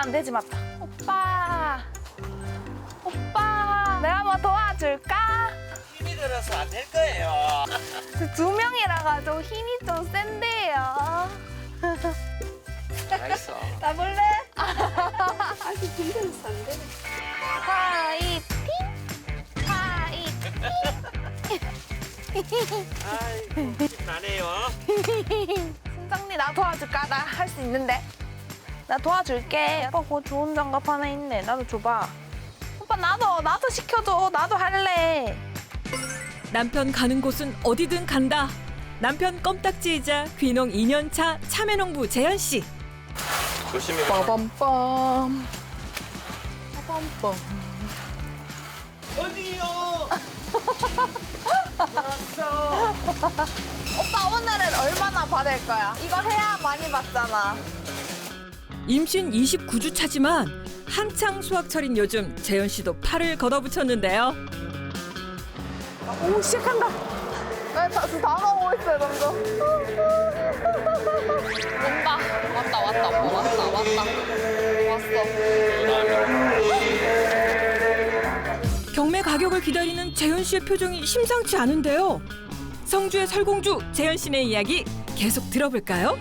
안 되지, 맞다. 오빠. 오빠. 내가 뭐 도와줄까? 힘이 들어서 안 될 거예요. 두 명이라 가지고 힘이 좀 센데요. 알겠어. 나볼래? 아직 힘들어서 안 돼. 파이팅! 파이팅! 아이고, 힘나네요. 순정리 나 도와줄까? 나 할 수 있는데. 나 도와줄게. 오빠 그거 좋은 장갑 하나 있네. 나도 줘봐. 오빠 나도 시켜줘. 나도 할래. 남편 가는 곳은 어디든 간다. 남편 껌딱지이자 귀농 2년차 참외농부 재현 씨. 조심히. 빠밤빰. 빠밤빰. 어디요? 왔어. 오빠 오늘은 얼마나 받을 거야? 이거 해야 많이 받잖아. 임신 29주 차지만 한창 수확철인 요즘 재현 씨도 팔을 걷어붙였는데요. 오 시작한다. 다 나오고 있어요 점점. 온다. 왔다 오빠 왔다. 왔어. 경매 가격을 기다리는 재현 씨의 표정이 심상치 않은데요. 성주의 설공주 재현 씨네 이야기 계속 들어볼까요?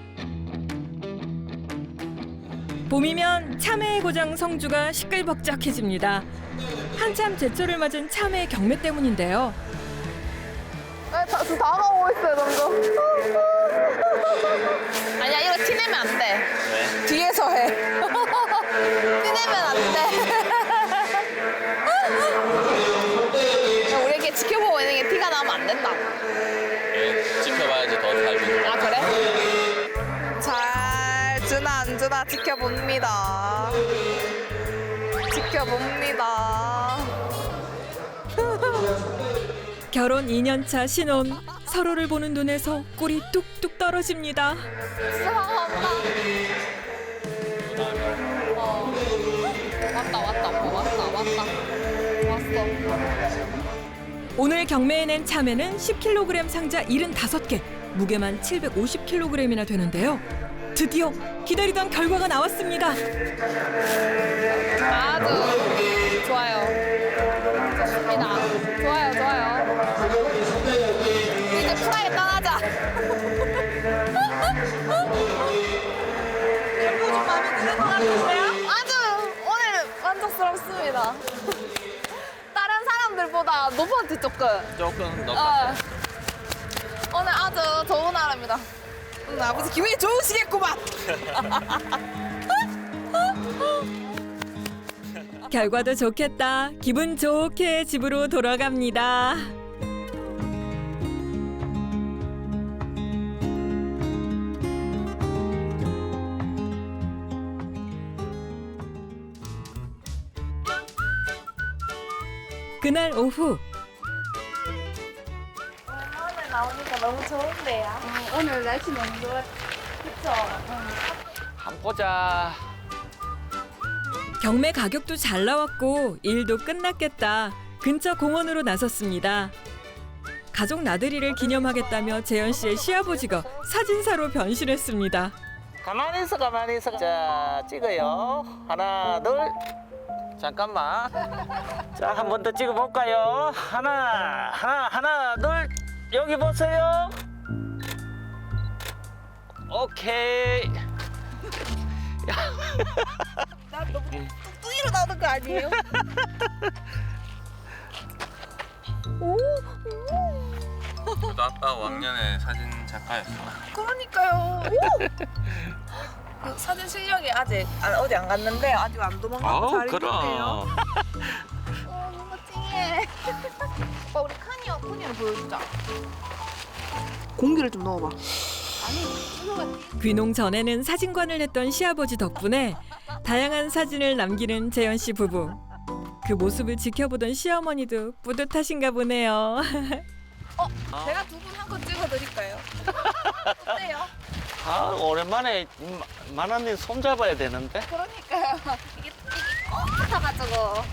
봄이면 참외의 고장 성주가 시끌벅적해집니다. 한참 제철을 맞은 참외 경매 때문인데요. 다 나오고 있어요 점점. 아니야 이거 티내면 안 돼. 왜? 뒤에서 해. 티내면 안 돼. 우리 이렇게 지켜보고 있는 게 티가 나면 안 된다. 예, 지켜봐야지 더 잘 보인다. 아 그래? 잘 주나 안 주나 지켜봅니다. 지켜봅니다. 결혼 2년차 신혼 서로를 보는 눈에서 꿀이 뚝뚝 떨어집니다. 사랑한다. 왔다. 왔어. 오늘 경매에 낸 참외는 10kg 상자 75개, 무게만 750kg이나 되는데요. 드디어 기다리던 결과가 나왔습니다. 아주 좋아요. 좋습니다. 좋아요. 이제 쿨하게 떠나자. 결국 좀 마음에 드는 것 같은데요? 아주 오늘 만족스럽습니다. 다른 사람들보다 높았지 조금. 조금 더. 오늘 아주 좋은 하루입니다. 오늘 아버지 기분이 좋으시겠구만. 결과도 좋겠다. 기분 좋게 집으로 돌아갑니다. 그날 오후 오늘 나오니까 너무 좋은데요. 오늘 날씨 너무 좋아. 그쵸? 한번 보자. 경매 가격도 잘 나왔고 일도 끝났겠다. 근처 공원으로 나섰습니다. 가족 나들이를 기념하겠다며 재현 씨의 시아버지가 사진사로 변신했습니다. 가만히 있어. 자, 찍어요. 하나, 둘. 잠깐만. 자, 한 번 더 찍어볼까요? 하나, 둘. 여기 보세요. 오케이. 나 너무 뚱뚱이로 나오는 거 아니에요? 저도 아빠 왕년에 사진 작가였어. 그러니까요. 그 사진 실력이 아직 어디 안 갔는데 아직 안 도망가고 잘 있네요. 너무 찡해. 오빠 우리 칸이어 보여주자. 공기를 좀 넣어봐. 귀농 전에는 사진관을 했던 시아버지 덕분에 다양한 사진을 남기는 재현 씨 부부. 그 모습을 지켜보던 시어머니도 뿌듯하신가 보네요. 제가 두 분 한 컷 찍어드릴까요? 어때요? 아, 오랜만에 만화님 손 잡아야 되는데. 그러니까요. 이게 같아가지고.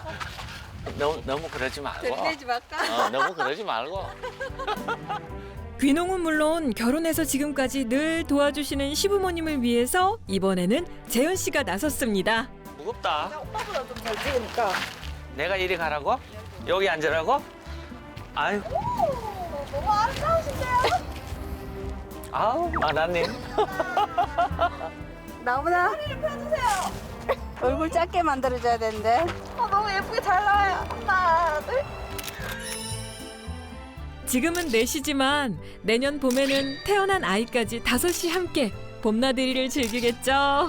너무 그러지 말고. 들이대지 말까? 너무 그러지 말고. 귀농은 물론 결혼해서 지금까지 늘 도와주시는 시부모님을 위해서 이번에는 재현 씨가 나섰습니다. 무겁다. 오빠보다 좀 잘 찍으니까. 내가 이리 가라고? 여기 앉으라고? 아유, 너무 아름다우신데요? 아우, 마나님. 나보다 허리를 펴주세요. 얼굴 작게 만들어줘야 되는데. 너무 예쁘게 잘 나와요. 하나, 둘. 지금은 넷이지만 내년 봄에는 태어난 아이까지 5이 함께 봄나들이를 즐기겠죠.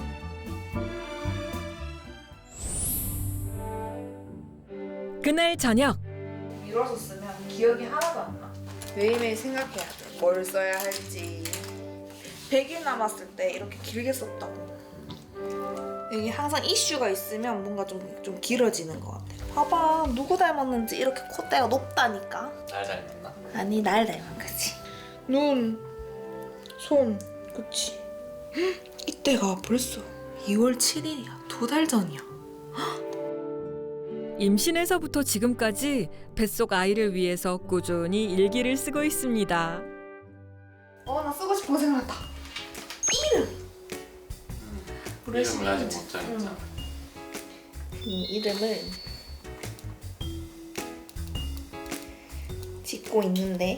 그날 저녁 밀어서 쓰면 기억이 하나도 안 나. 매일매일 생각해야 돼. 뭘 써야 할지. 100일 남았을 때 이렇게 길게 썼다고. 이게 항상 이슈가 있으면 뭔가 좀 길어지는 것 같아. 봐봐, 누구 닮았는지 이렇게 콧대가 높다니까. 날 닮았나? 아니, 날 닮은 거지. 눈, 손, 그치. 헉, 이때가 벌써 2월 7일이야. 2달 전이야. 임신에서부터 지금까지 뱃속 아이를 위해서 꾸준히 일기를 쓰고 있습니다. 나 쓰고 싶은 거 생각났다. 이름! 이름을 아직 못 정했잖아. 이 이름을 짓고 있는데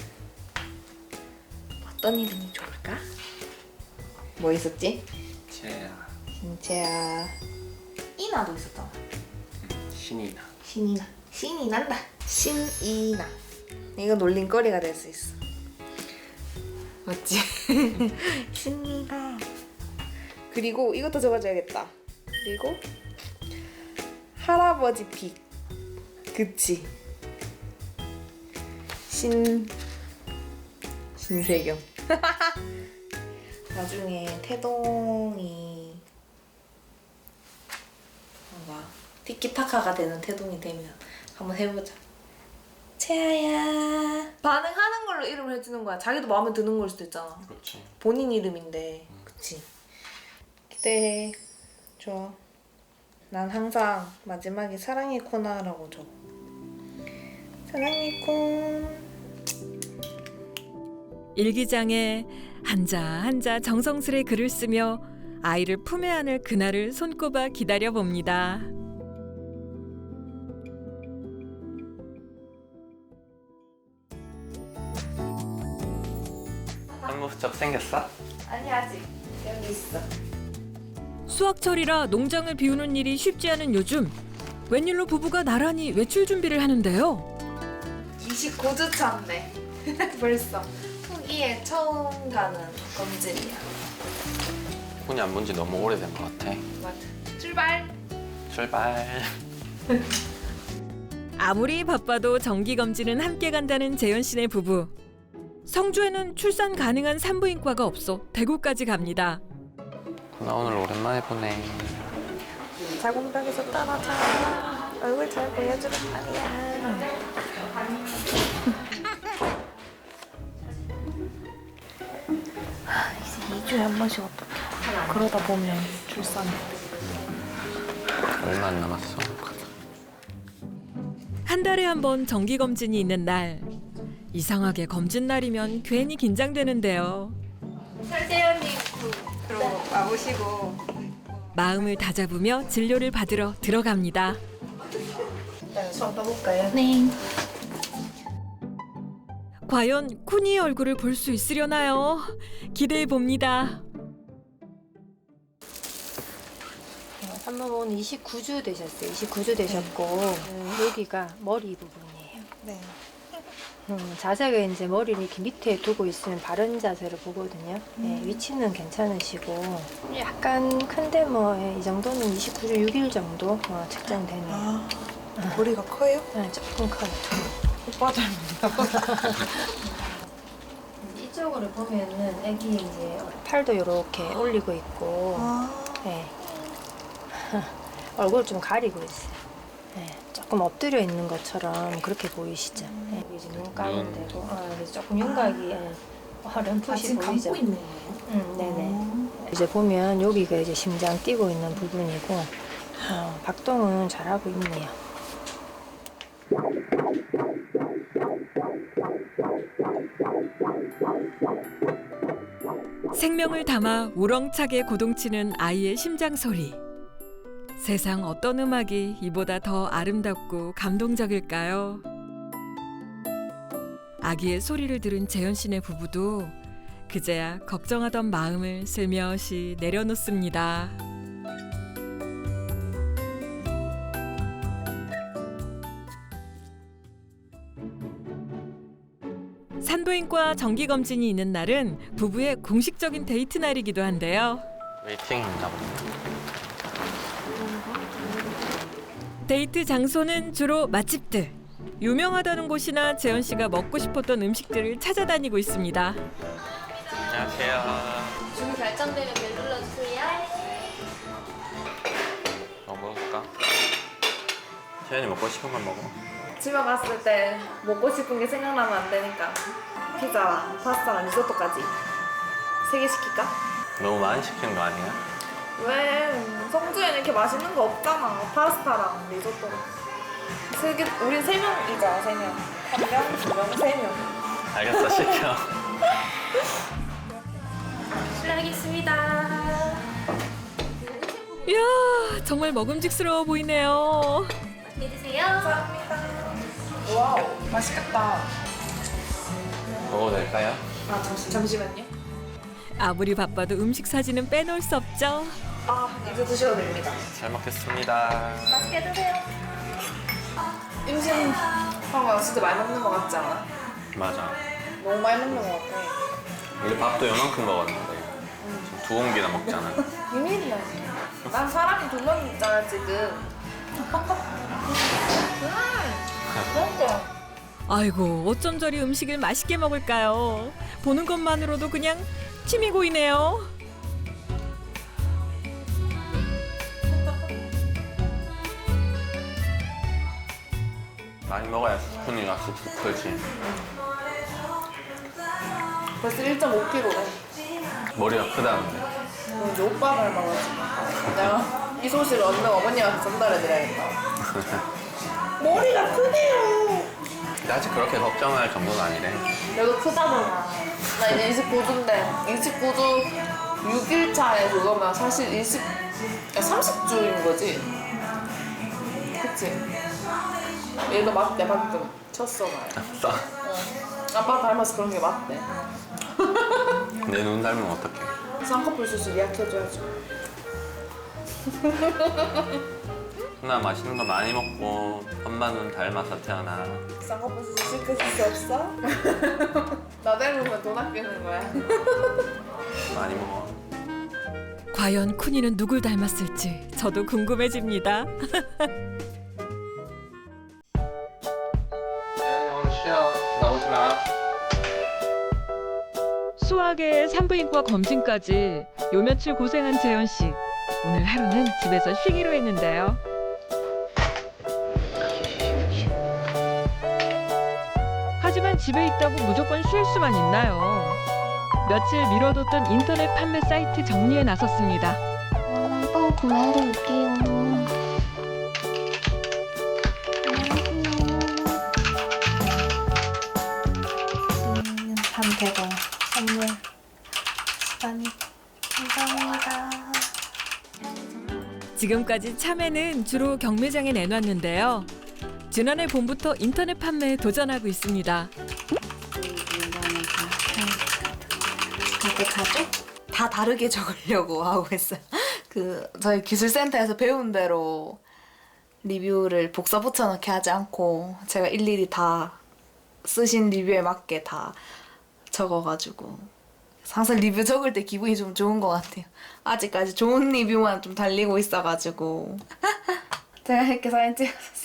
어떤 이름이 좋을까? 뭐 있었지? 채야, 진짜야. 이나도 있었잖아. 신이나. 신이나. 신이 난다. 신이나. 이거 놀림거리가 될 수 있어. 맞지? 신이나. 그리고 이것도 적어줘야겠다. 그리고 할아버지 픽. 그치? 신세경. 나중에 태동이 뭔가 티키타카가 되는 태동이 되면 한번 해보자. 채아야. 반응하는 걸로 이름을 해주는 거야. 자기도 마음에 드는 걸 수도 있잖아. 그렇지. 본인 이름인데. 그치? 기대해. 좋아. 난 항상 마지막에 사랑의 코나라고 적어. 사랑의 콘. 일기장에 한자 정성스레 글을 쓰며 아이를 품에 안을 그날을 손꼽아 기다려봅니다. 한무적 생겼어? 아니, 아직. 여기 있어. 수학철이라 농장을 비우는 일이 쉽지 않은 요즘 웬일로 부부가 나란히 외출 준비를 하는데요. 29주 차인데 벌써 후기에 처음 가는 검증이야. 손이 안 본 지 너무 오래된 것 같아. 맞아. 출발. 출발. 아무리 바빠도 정기 검진은 함께 간다는 재현 씨네 부부. 성주에는 출산 가능한 산부인과가 없어 대구까지 갑니다. 나 오늘 오랜만에 보네. 자궁벽에서 떨어져. 얼굴 잘 보여주는 말이야. 이제 2주에 한 번씩 어떡해. 그러다 보면 출산해. 얼마 안 남았어. 한 달에 한 번 정기 검진이 있는 날. 이상하게 검진 날이면 괜히 긴장되는데요. 설재현님 그럼 와보시고. 마음을 다잡으며 진료를 받으러 들어갑니다. 일단 수업 떠볼까요? 네. 과연 쿠니의 얼굴을 볼 수 있으려나요? 기대해 봅니다. 산모분 29주 되셨어요. 29주 되셨고 여기가 머리 부분이에요. 네. 자세가 이제 머리를 이렇게 밑에 두고 있으면 바른 자세로 보거든요. 네, 위치는 괜찮으시고 약간 큰데 뭐 이 정도는 29주 6일 정도 측정되네요. 아, 머리가 커요? 네, 조금 커요. 오빠 닮았나? 이쪽으로 보면은 애기 이제 팔도 이렇게 올리고 있고 아, 네. 얼굴 좀 가리고 있어요. 네, 조금 엎드려 있는 것처럼 그렇게 보이시죠? 네, 이제 눈 가운데고, 그래서 조금 윤곽이 렴풋이 지금 보이죠? 감고 있는 거예요? 네네. 이제 보면 여기가 이제 심장 뛰고 있는 부분이고, 박동은 잘하고 있네요. 생명을 담아 우렁차게 고동치는 아이의 심장 소리. 세상 어떤 음악이 이보다 더 아름답고 감동적일까요? 아기의 소리를 들은 재현 씨네 부부도 그제야 걱정하던 마음을 슬며시 내려놓습니다. 산부인과 정기검진이 있는 날은 부부의 공식적인 데이트 날이기도 한데요. 웨이팅인가 보네. 데이트 장소는 주로 맛집들. 유명하다는 곳이나 재현 씨가 먹고 싶었던 음식들을 찾아다니고 있습니다. 안녕하세요. 준비 결정되면 벨 눌러주세요. 뭐 먹을까? 채연이 먹고 싶은 건 먹어. 집에 갔을 때 먹고 싶은 게 생각나면 안 되니까 피자랑 파스타랑 리조또까지 3개 시킬까? 너무 많이 시키는 거 아니야? 왜? 성주에는 이렇게 맛있는 거 없잖아. 파스타랑 리조또랑 3개, 우린 3명이자 3명. 1명, 2명, 3명. 알겠어, 시켜. 실례하겠습니다. 이야, 정말 먹음직스러워 보이네요. 맛있게 드세요. 감사합니다. 와우, 맛있겠다. 먹어도 될까요? 아, 잠시만요. 아무리 바빠도 음식 사진은 빼놓을 수 없죠. 아, 이제 드셔도 됩니다. 잘 먹겠습니다. 맛있게 드세요. 임신 한거 진짜 많이 먹는 거 같지 않아? 맞아. 너무 많이 먹는 거 같아. 우리 밥도 요만큼 먹었는데 지금 2공기나 먹잖아. 비밀이야. 난 사람이 2명 있잖아 지금. 맛있어. 아이고, 어쩜 저리 음식을 맛있게 먹을까요? 보는 것만으로도 그냥 침이 고이네요. 많이 먹어야 스푼이가 쑥쑥 크지. 벌써 1.5kg래. 머리가 크다는데. 이제 오빠 닮아가지고. 내가 이 소식을 얻는 어머님한테 전달해드려야겠다. 머리가 크네요. 근데 아직 그렇게 걱정할 정도는 아니래. 내가 크다잖아. 나 이제 29주인데 29주 6일 차에 그거면 사실 30주인 거지. 그치? 얘도 맞대 방금 쳤어 말. 아싸. 아빠 닮아서 그런 게 맞대. 내 눈 닮으면 어떡해. 쌍꺼풀 수술 예약해줘야죠. 누나 맛있는 거 많이 먹고 엄마 눈 닮아서 태어나. 쌍꺼풀 수술 시켜줄 수 없어? 나 닮으면 돈 아끼는 거야. 많이 먹어. 과연 쿤이는 누굴 닮았을지 저도 궁금해집니다. 오늘 쉬어. 나오지 마. 수학에 산부인과 검진까지 요 며칠 고생한 재현 씨. 오늘 하루는 집에서 쉬기로 했는데요. 하지만 집에 있다고 무조건 쉴 수만 있나요? 며칠 미뤄뒀던 인터넷 판매 사이트 정리에 나섰습니다. 빵 구매하러 올게요. 안녕하세요. 300원 선물 시간이 감사합니다. 지금까지 참외는 주로 경매장에 내놨는데요. 지난해 봄부터 인터넷 판매에 도전하고 있습니다. 이렇게 가죠? 다 다르게 적으려고 하고 있어요. 저희 기술센터에서 배운 대로 리뷰를 복사 붙여넣기 하지 않고 제가 일일이 다 쓰신 리뷰에 맞게 다 적어가지고 항상 리뷰 적을 때 기분이 좀 좋은 것 같아요. 아직까지 좋은 리뷰만 좀 달리고 있어가지고 제가 이렇게 사진 찍었어요.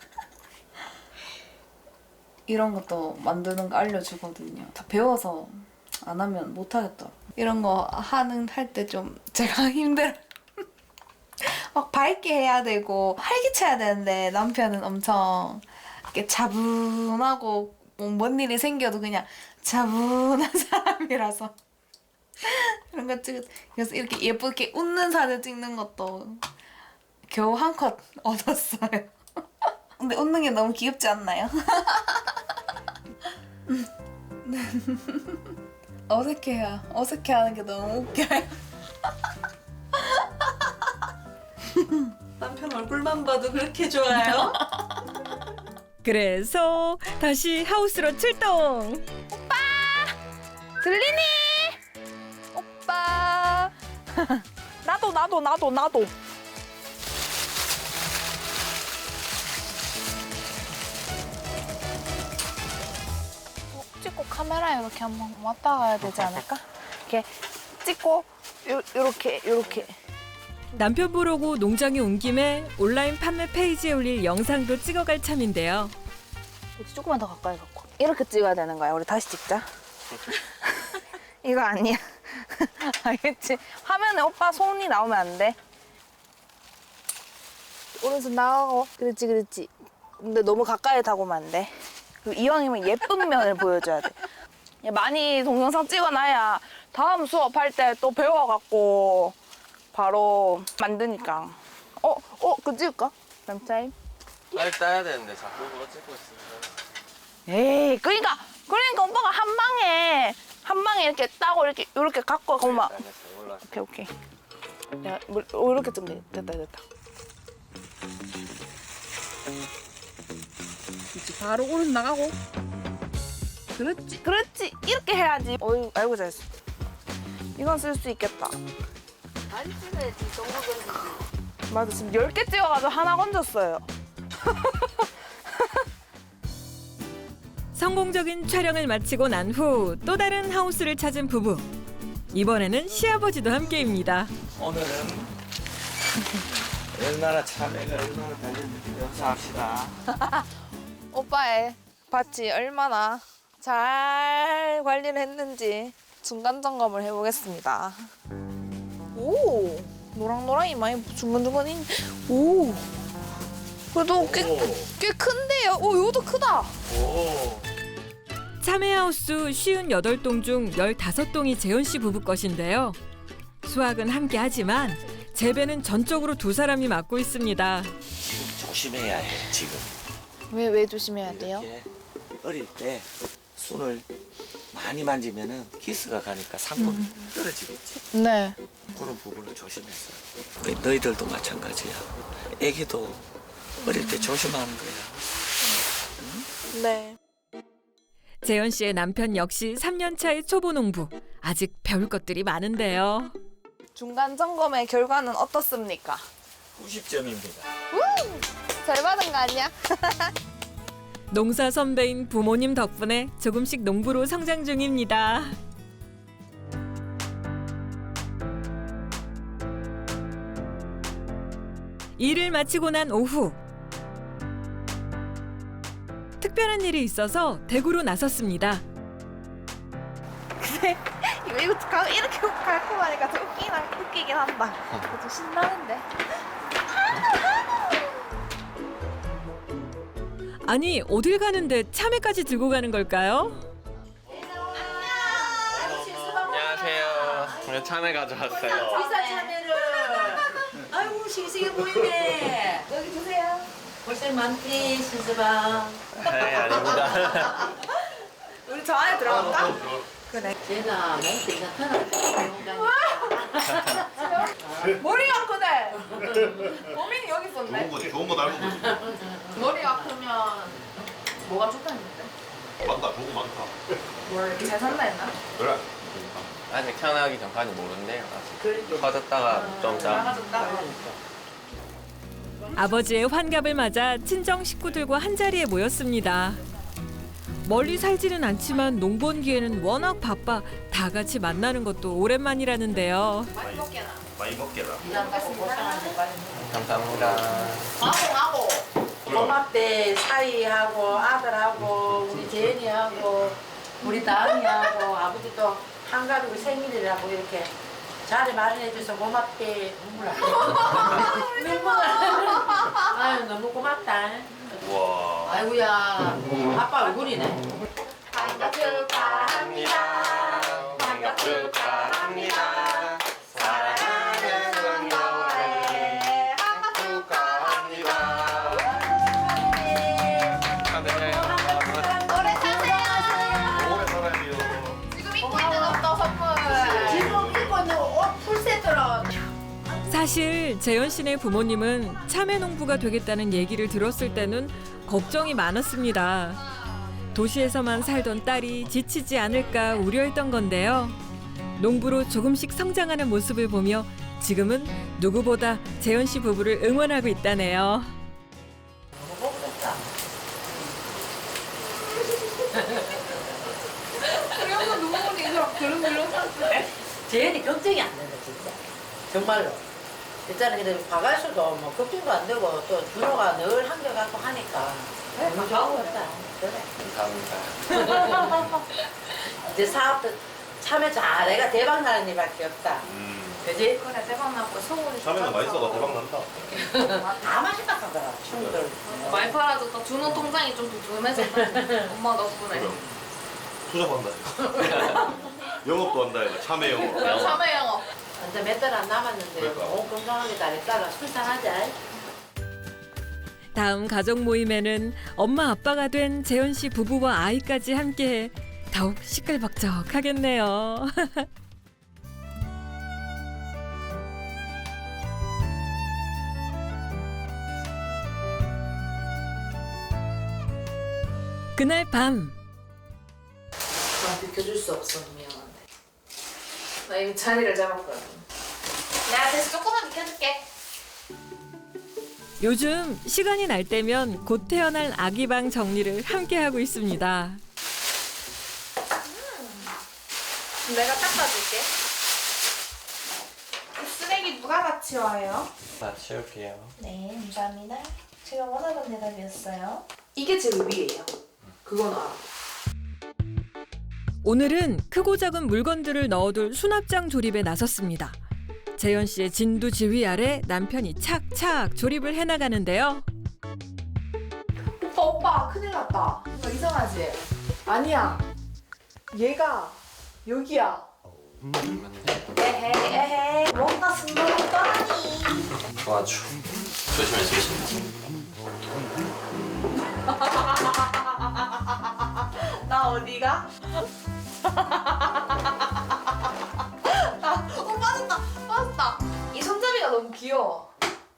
이런 것도 만드는 거 알려주거든요. 다 배워서 안 하면 못 하겠더라고요. 이런 거 할 때 좀 제가 힘들어요. 막 밝게 해야 되고 활기차야 되는데 남편은 엄청 이렇게 차분하고 뭔 일이 생겨도 그냥 차분한 사람이라서 그런 거 그래서 이렇게 예쁘게 웃는 사진 찍는 것도 겨우 한 컷 얻었어요. 근데 웃는 게 너무 귀엽지 않나요? 어색해요. 어색해하는 게 너무 웃겨요. 남편 얼굴만 봐도 그렇게 좋아요? 그래서 다시 하우스로 출동. 들리니? 오빠. 나도. 찍고 카메라에 이렇게 한번 왔다 가야 되지 않을까? 이렇게 찍고 요렇게. 남편 보러고 농장에 온 김에 온라인 판매 페이지에 올릴 영상도 찍어갈 참인데요. 조금만 더 가까이 갖고. 이렇게 찍어야 되는 거야. 우리 다시 찍자. 이거 아니야. 알겠지? 화면에 오빠 손이 나오면 안 돼. 오른손 나가고. 그렇지. 근데 너무 가까이 다가오면 안 돼. 그리고 이왕이면 예쁜 면을 보여줘야 돼. 많이 동영상 찍어놔야 다음 수업할 때 또 배워갖고 바로 만드니까. 그거 찍을까? 램타임? 빨리 따야 되는데 자꾸 그거 찍고 있으면. 에이, 그러니까 오빠가 한 방에 이렇게 따고 이렇게 갖고 가면 오케이. 야, 이렇게 좀 됐다. 그렇지, 바로 오른 나가고. 그렇지. 이렇게 해야지. 어이, 아이고 잘했어. 이건 쓸 수 있겠다. 많이 찍어야지. 동물견. 맞아, 지금 10개 찍어가지고 하나 건졌어요. 성공적인 촬영을 마치고 난 후 또 다른 하우스를 찾은 부부. 이번에는 시아버지도 함께입니다. 오늘은 얼마나 참외가 얼마나 달렸는지 명사합시다. 오빠의 밭이 얼마나 잘 관리를 했는지 중간 점검을 해보겠습니다. 오, 노랑노랑이 많이 중간중간 있네. 오, 그래도 꽤 큰데요. 오, 이것도 크다. 오. 참외하우스 58동 중 15동이 재현 씨 부부 것인데요. 수확은 함께 하지만 재배는 전적으로 두 사람이 맡고 있습니다. 조심해야 해 지금. 왜 조심해야 돼요? 이렇게 어릴 때 손을 많이 만지면은 기스가 가니까 상품이 떨어지겠지. 네. 그런 부분을 조심해서. 너희들도 마찬가지야. 애기도 어릴 때 조심하는 거야. 네. 재현 씨의 남편 역시 3년 차의 초보 농부. 아직 배울 것들이 많은데요. 중간 점검의 결과는 어떻습니까? 90점입니다. 잘 받은 거 아니야? 농사 선배인 부모님 덕분에 조금씩 농부로 성장 중입니다. 일을 마치고 난 오후. 특별한 일이 있어서 대구로 나섰습니다. 이거 이렇게 달콤하니까 좀 웃기긴 한다. 좀 신나는데. 아니 어딜 가는데 참외까지 들고 가는 걸까요? 안녕하세요. 오늘 참외 가져왔어요. 비싼 참외를. 아이고 싱싱해 보이네. 여기 주세요. 고생 많지 신수방. 네, 아닙니다. 우리 저 안에 들어갈까? 그래. 제가 멘트 나타날 머리가 크네. 고민이 여기 있었네. 좋은 거 닮은 거지. 머리가 크면 뭐가 좋다는데? 많다, 좋은 거 많다. 잘 산다 했나? 그래. 아직 태어나기 전까지 모른대요. 아직 커졌다가 좀 짜. 나가졌다. 아버지의 환갑을 맞아 친정 식구들과 한자리에 모였습니다. 멀리 살지는 않지만 농번기에는 워낙 바빠 다 같이 만나는 것도 오랜만이라는데요. 많이 먹게라. 감사합니다. 하고 고맙대 사이하고 아들하고 우리 재현이하고 우리 다은이하고 아버지도 한가족이 생일이라고 이렇게 자리 마련해줘서 고맙대. 눈물 아유 너무 고맙다. 와. 아이고야 아빠 얼굴이네. 생일 축하합니다. 생일 축하합니다. 사랑하는 손녀의 생일 축하합니다. 축하드려요. 오래 사세요. 오래 살아야 돼요. 사실 재현 씨네 부모님은 참외 농부가 되겠다는 얘기를 들었을 때는 걱정이 많았습니다. 도시에서만 살던 딸이 지치지 않을까 우려했던 건데요. 농부로 조금씩 성장하는 모습을 보며 지금은 누구보다 재현 씨 부부를 응원하고 있다네요. 재현이 걱정이 안 된다 진짜. 정말로. 일단은 근데 과갈수도 뭐 걱정도 안 되고 또 준호가 늘 한결같고 하니까 너무 좋았다. 그래. 감사합니다. 이제 사업도 참여 잘해가 대박 나는 일밖에 없다. 그지? 그래 대박 나고 소문이 참외는 맛있어가 대박 난다. 다 맛있다 하더라 친구들. 많이 팔아줬다. 준호 통장이 좀 두툼해졌다. 엄마 덕분에. 그래. 투잡한다. 영업도 한다 이거 참외 영업. 참외 영업. 이제 몇 달 안 남았는데 그러니까. 뭐 건강하게 잘 있다가 출산하자. 다음 가족 모임에는 엄마 아빠가 된 재현 씨 부부와 아이까지 함께해 더욱 시끌벅적하겠네요. 그날 밤 나 비켜줄 수 없어. 미안한데. 나 이미 자리를 잡았거든. 내가 대신 조금만 비켜줄게. 요즘 시간이 날 때면 곧 태어날 아기 방 정리를 함께하고 있습니다. 내가 닦아줄게. 이 쓰레기 누가 다 치워요? 나 치울게요. 네, 감사합니다. 제가 원하던 대답이었어요. 이게 제일 위에요. 그건 알아. 오늘은 크고 작은 물건들을 넣어둘 수납장 조립에 나섰습니다. 재현 씨의 진두지휘 아래 남편이 착착 조립을 해나가는데요. 오빠 큰일 났다. 이거 이상하지? 아니야. 얘가 여기야. 에헤이, 뭔가 숨겨뒀더니. 도와줘. 조심해 조심해. 나 어디가? 빠졌다. 이 손잡이가 너무 귀여워.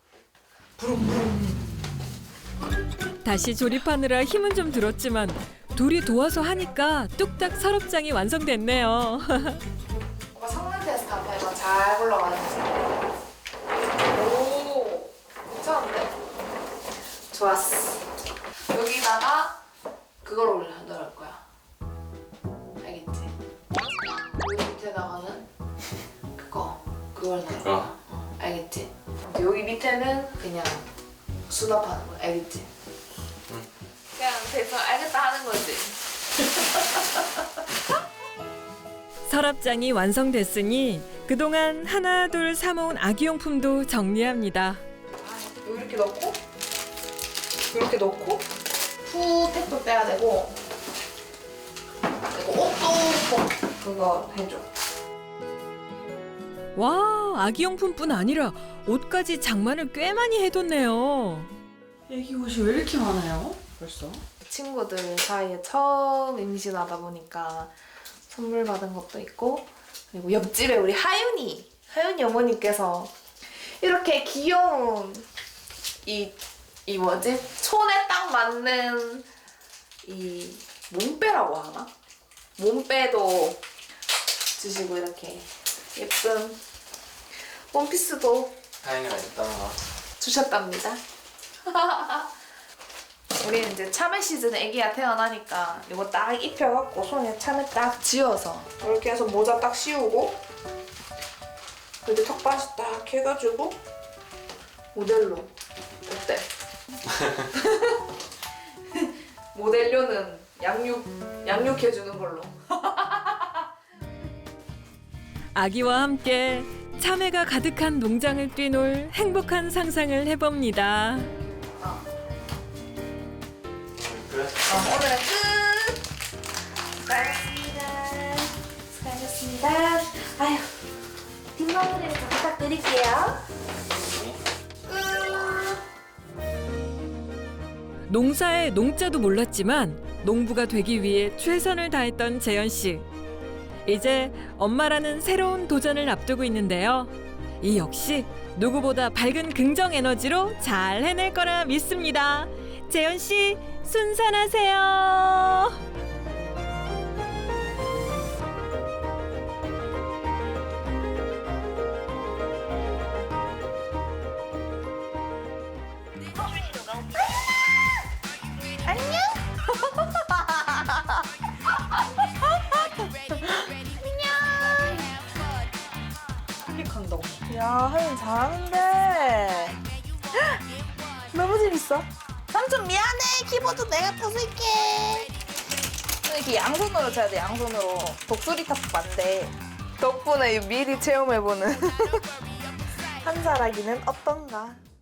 다시 조립하느라 힘은 좀 들었지만 둘이 도와서 하니까 뚝딱 서랍장이 완성됐네요. 오빠 성능 테스트 한번 해봐. 잘 굴러가는지. 오, 괜찮은데? 좋았어. 여기다가 그걸 올려놓을 거야. 알겠지? 여기 밑에다가는 그걸 넣을 거야. 알겠지? 여기 밑에는 그냥 수납하는 거야. 알겠지? 그냥 대충 알겠다 하는 거지. 서랍장이 완성됐으니 그동안 하나둘 사모은 아기용품도 정리합니다. 이렇게 넣고 이렇게 넣고 푸택도 빼야 되고 그리고 옷도 꼭 그거 해줘. 와, 아기용품뿐 아니라 옷까지 장만을 꽤 많이 해뒀네요. 애기 옷이 왜 이렇게 많아요? 벌써? 친구들 사이에 처음 임신하다 보니까 선물 받은 것도 있고 그리고 옆집에 우리 하윤이 어머니께서 이렇게 귀여운 이 뭐지? 촌에 딱 맞는 이 몸빼라고 하나? 몸빼도 주시고 이렇게 예쁜 원피스도 하인이가 있다가 주셨답니다. 우리는 이제 참외 시즌에 애기가 태어나니까 이거 딱 입혀갖고 손에 참외 딱 쥐어서 이렇게 해서 모자 딱 씌우고 그리고 턱받이 딱 해가지고 모델로 어때? 모델료는 양육해주는 걸로. 아기와 함께 참외가 가득한 농장을 뛰놀 행복한 상상을 해봅니다. 그래? 오늘은 끝! 수고하셨습니다. 수고하셨습니다. 아휴, 뒷마무리를 좀 부탁드릴게요. 농사의 농자도 몰랐지만 농부가 되기 위해 최선을 다했던 재현 씨. 이제 엄마라는 새로운 도전을 앞두고 있는데요. 이 역시 누구보다 밝은 긍정 에너지로 잘 해낼 거라 믿습니다. 재현 씨, 순산하세요. 야, 하윤 잘하는데. 너무 재밌어. 삼촌 미안해. 키보드 내가 부술게. 이렇게 양손으로 쳐야 돼, 양손으로. 독수리 탑도 안 돼. 덕분에 미리 체험해보는 한살아기는 어떤가.